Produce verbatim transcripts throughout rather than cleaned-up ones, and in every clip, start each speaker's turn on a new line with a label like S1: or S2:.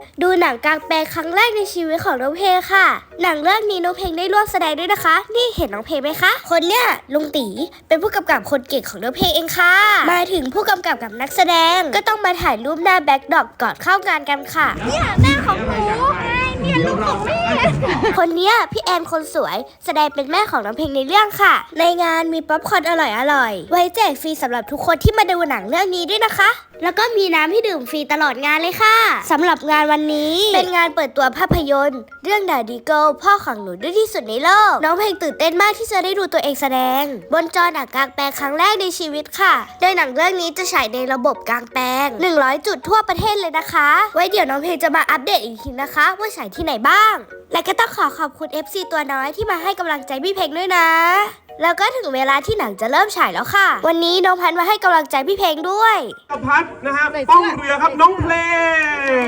S1: ดูหนังกลางแปลงครั้งแรกในชีวิตของน้องเพลงค่ะหนังเรื่องนี้น้องเพลงได้ร่วมแสดงด้วยนะคะนี่เห็นน้องเพลงไหมคะคนเนี้ยลุงตีเป็นผู้กำกับคนเก่งของน้องเพลงเองค่ะมาถึงผู้กำกับกับนักแสดงก็ต้องมาถ่ายรูปหน้าแบ็คดรอปก่อนเข้างานกันค่ะเนี่ยแม่ของหนูเนี่ยลูกของแม่คนเนี้ยพี่แอนคนสวยแสดงเป็นแม่ของน้องเพลงในเรื่องค่ะในงานมีป๊อปคอร์นอร่อยๆไว้แจกฟรีสำหรับทุกคนที่มาดูหนังเรื่องนี้ด้วยนะคะแล้วก็มีน้ำให้ดื่มฟรีตลอดงานเลยค่ะสำหรับงานวันนี้เป็นงานเปิดตัวภาพยนตร์เรื่องดาดีเกิลพ่อของหนูดื้อที่สุดในโลกน้องเพลงตื่นเต้นมากที่จะได้ดูตัวเองแสดงบนจอหนังกลางแปลงครั้งแรกในชีวิตค่ะโดยหนังเรื่องนี้จะฉายในระบบกลางแปลงหนึ่งร้อยจุดทั่วประเทศเลยนะคะไว้เดี๋ยวน้องเพลงจะมาอัปเดตอีกทีนะคะว่าฉายที่ไหนบ้างและก็ต้องขอขอบคุณ เอฟ ซี ตัวน้อยที่มาให้กำลังใจพี่เพลงด้วยนะแล้วก็ถึงเวลาที่หนังจะเริ่มฉายแล้วค่ะวันนี้น้องพันมาให้กำลังใจพี่เพลงด้วย
S2: พัดนะฮะป้องเรือครับน้องเพลง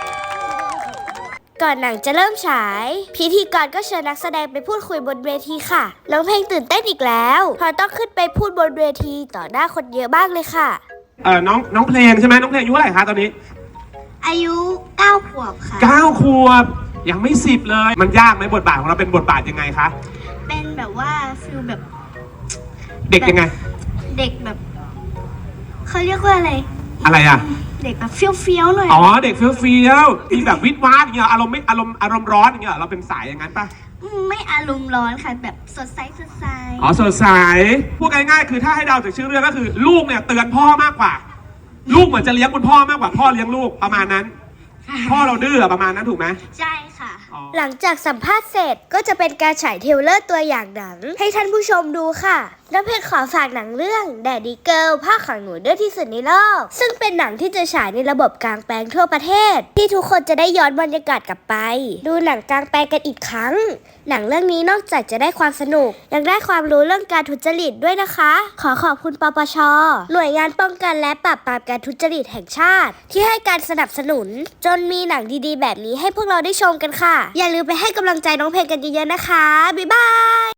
S1: ก่อนหนังจะเริ่มฉายพิธีกรก็เชิญนักแสดงไปพูดคุยบนเวทีค่ะน้องเพลงตื่นเต้นอีกแล้วเพราะต้องขึ้นไปพูดบนเวทีต่อหน้าคนเยอะมากเลยค่ะ
S2: เออน้องน้องเพลงใช่ไหมน้องเพลงอายุเท่าไหร่คะตอนนี้
S1: อายุเก้าขวบค่ะ
S2: เก้าขวบยังไม่สิบเลยมันยากไหมบทบาทของเราเป็นบทบาทยังไงคะ
S1: เป็นแบบว่าฟิลแบบ
S2: เด็กยังไง
S1: เด็กแบบเขาเรียกว่าอะไร
S2: อะไรอ่ะ
S1: เด็กแบบเฟี้ยวเฟี้ยวหน่อย
S2: อ๋อเด็กเฟี้ยวเฟี้ยวที่แบบวิดวาดอย่างเงี้ยอารมณ์ไม่อารมณ์อารมณ์ร้อนอย่างเงี้ยเราเป็นสายอย่างนั้นปะ
S1: ไม่อารมณ์ร้อนค่ะแบบสดใสสดใส
S2: อ๋อสดใสพูดง่ายๆคือถ้าให้เดาจากชื่อเรื่องก็คือลูกเนี่ยเตือนพ่อมากกว่าลูกเหมือนจะเลี้ยงคุณพ่อมากกว่าพ่อเลี้ยงลูกประมาณนั้นพ่อเราดื้อประมาณนั้นถูกไหม
S1: ใช่ค่ะหลังจากสัมภาษณ์เสร็จก็จะเป็นการฉายเทรลเลอร์ตัวอย่างหนังให้ท่านผู้ชมดูค่ะน้ำเพชรขอฝากหนังเรื่อง Daddy Girl ภาคของหนูดื้อที่สุดในโลกซึ่งเป็นหนังที่จะฉายในระบบกลางแปลงทั่วประเทศที่ทุกคนจะได้ย้อนบรรยากาศกลับไปดูหนังกลางแปลงกันอีกครั้งหนังเรื่องนี้นอกจากจะได้ความสนุกยังได้ความรู้เรื่องการทุจริตด้วยนะคะขอขอบคุณปปช.หน่วยงานป้องกันและปราบปรามการทุจริตแห่งชาติที่ให้การสนับสนุนจนมีหนังดีๆแบบนี้ให้พวกเราได้ชมกันค่ะอย่าลืมไปให้กำลังใจน้องเพลงกันเยอะๆนะคะบ๊ายบาย